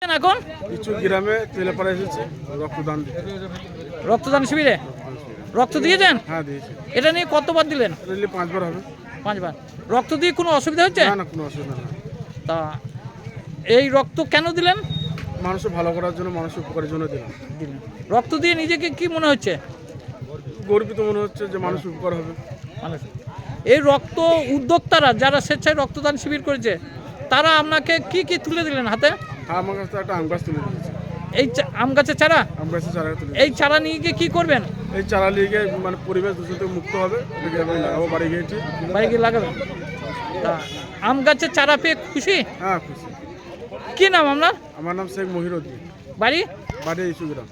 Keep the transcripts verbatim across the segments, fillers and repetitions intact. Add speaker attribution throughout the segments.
Speaker 1: এখন
Speaker 2: কিছু গ্রামে তেলেপাড়া এসেছে রক্তদান দিতে।
Speaker 1: রক্তদান শিবিরে রক্ত দিয়েছেন?
Speaker 2: হ্যাঁ দিয়েছে।
Speaker 1: এটা নিয়ে কতবার দিলেন?
Speaker 2: দিলে পাঁচবার হবে।
Speaker 1: পাঁচবার। রক্ত দিয়ে কোনো অসুবিধা হচ্ছে?
Speaker 2: না না কোনো অসুবিধা নেই।
Speaker 1: তা এই রক্ত কেন দিলেন?
Speaker 2: মানুষের ভালো করার জন্য, মানুষের উপকারের জন্য দিলাম।
Speaker 1: দিলেন। রক্ত দিয়ে নিজেকে কি মনে হচ্ছে?
Speaker 2: গর্বিত মনে হচ্ছে যে মানুষের উপকার হবে।
Speaker 1: মানুষ এই রক্ত উদ্যোক্তারা যারা স্বেচ্ছায় রক্তদান শিবির করেছে তারা আপনাকে কি কি তুলে দিলেন হাতে?
Speaker 2: হ্যাঁ আমার কাছে একটা আম গাছ তুলে দিয়েছে।
Speaker 1: এই চা- আম গাছের চারা?
Speaker 2: আম গাছের চারা তুলে
Speaker 1: এই চারা নিয়ে গিয়ে কী করবেন?
Speaker 2: এই চারা নিয়ে গিয়ে মানে পরিবেশ দূষণ থেকে মুক্ত হবে, এটাকে আমি লাগাবো বাড়ি গিয়েছি।
Speaker 1: বাড়ি গিয়ে লাগাবেন? তা আম গাছের চারা পেয়ে খুশি?
Speaker 2: হ্যাঁ খুশি।
Speaker 1: কি নাম আপনার?
Speaker 2: আমার নাম শেখ মহিরুদ্দিন,
Speaker 1: বাড়ি?
Speaker 2: বাড়ি ইস্যু গ্রাম।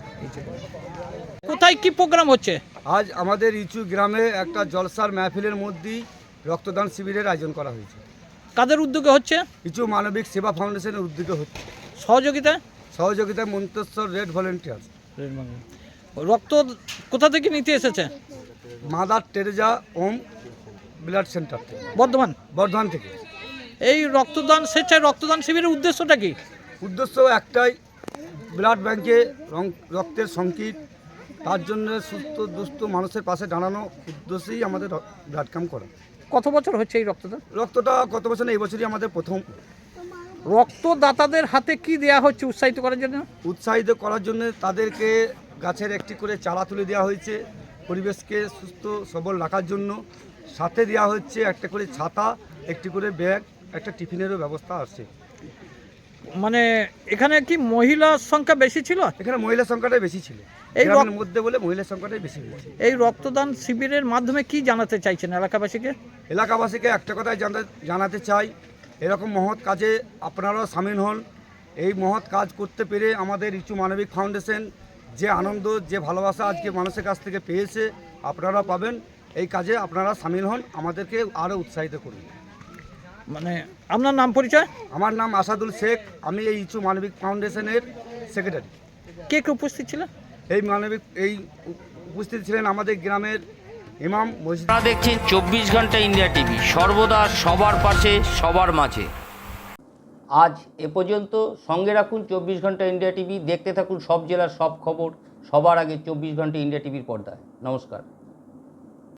Speaker 1: কোথায় কি প্রোগ্রাম হচ্ছে?
Speaker 3: আজ আমাদের ইচু গ্রামে একটা জলসার মাহফিলের মধ্যেই রক্তদান শিবিরের আয়োজন করা হয়েছে।
Speaker 1: কাদের উদ্যোগে হচ্ছে?
Speaker 3: ইচু মানবিক সেবা ফাউন্ডেশনের উদ্যোগে হচ্ছে,
Speaker 1: সহযোগিতা?
Speaker 3: সহযোগিতায় মন্তেশ্বর রেড ভলেন্টিয়ার্স,
Speaker 1: রক্ত কোথা থেকে নিতে এসেছে?
Speaker 3: মাদার টেরেজা ওম ব্লাড সেন্টার থেকে,
Speaker 1: বর্ধমান।
Speaker 3: বর্ধমান থেকে।
Speaker 1: এই রক্তদান স্বেচ্ছায় রক্তদান শিবিরের উদ্দেশ্যটা কি?
Speaker 3: উদ্দেশ্য একটাই, ব্লাড ব্যাংকে রং- রক্তের সংকট, তার জন্য সুস্থ দুস্থ মানুষের পাশে দাঁড়ানো উদ্দেশ্যেই আমাদের র- ব্লাড ক্যাম্প করা।
Speaker 1: কত বছর হচ্ছে এই রক্তদান?
Speaker 3: রক্তটা কত বছর না, এই বছরই আমাদের প্রথম।
Speaker 1: রক্তদাতাদের হাতে কি দেয়া হচ্ছে উৎসাহিত করার জন্য?
Speaker 3: উৎসাহিত করার জন্য তাদেরকে গাছের একটি করে চারা তুলে দেওয়া হয়েছে, পরিবেশকে সুস্থ সবল রাখার জন্য। সাথে দেওয়া হচ্ছে একটা করে ছাতা, একটি করে ব্যাগ, একটা টিফিনেরও ব্যবস্থা আছে।
Speaker 1: মানে এখানে কি মহিলার সংখ্যা বেশি ছিল?
Speaker 3: এখানে মহিলা সংখ্যাটাই বেশি ছিল,
Speaker 1: এই
Speaker 3: এই
Speaker 1: রক-
Speaker 3: মধ্যে বলে মহিলা সংখ্যাটাই বেশি হয়েছে।
Speaker 1: এই রক্তদান শিবিরের মাধ্যমে কি জানাতে চাইছেন এলাকাবাসীকে?
Speaker 3: এলাকাবাসীকে একটা কথাই জানা- জানাতে চাই, এরকম মহৎ কাজে আপনারাও সামিল হন। এই মহৎ কাজ করতে পেরে আমাদের ইচু মানবিক ফাউন্ডেশন যে আনন্দ, যে ভালোবাসা আজকে মানুষের কাছ থেকে পেয়েছে, আপনারা পাবেন। এই কাজে আপনারা সামিল হন, আমাদেরকে আরও উৎসাহিত করুন।
Speaker 1: মানে আপনার নাম পরিচয়?
Speaker 3: আমার নাম আসাদুল শেখ, আমি এই ইচু মানবিক ফাউন্ডেশনের সেক্রেটারি।
Speaker 1: কে কে উপস্থিত ছিলেন?
Speaker 3: এই মানবিক এই উপ- উপস্থিত ছিলেন আমাদের গ্রামের ইমাম, মসজিদ।
Speaker 4: আপনারা দেখছেন চব্বিশ ঘন্টা ইন্ডিয়া টিভি, সর্বদা সবার পাশে সবার মাঝে। আজ এ পর্যন্ত। সঙ্গে রাখুন চব্বিশ ঘন্টা ইন্ডিয়া টিভি, দেখতে থাকুন সব জেলার সব খবর সবার আগে চব্বিশ ঘন্টা ইন্ডিয়া টিভির পর্দায়। নমস্কার।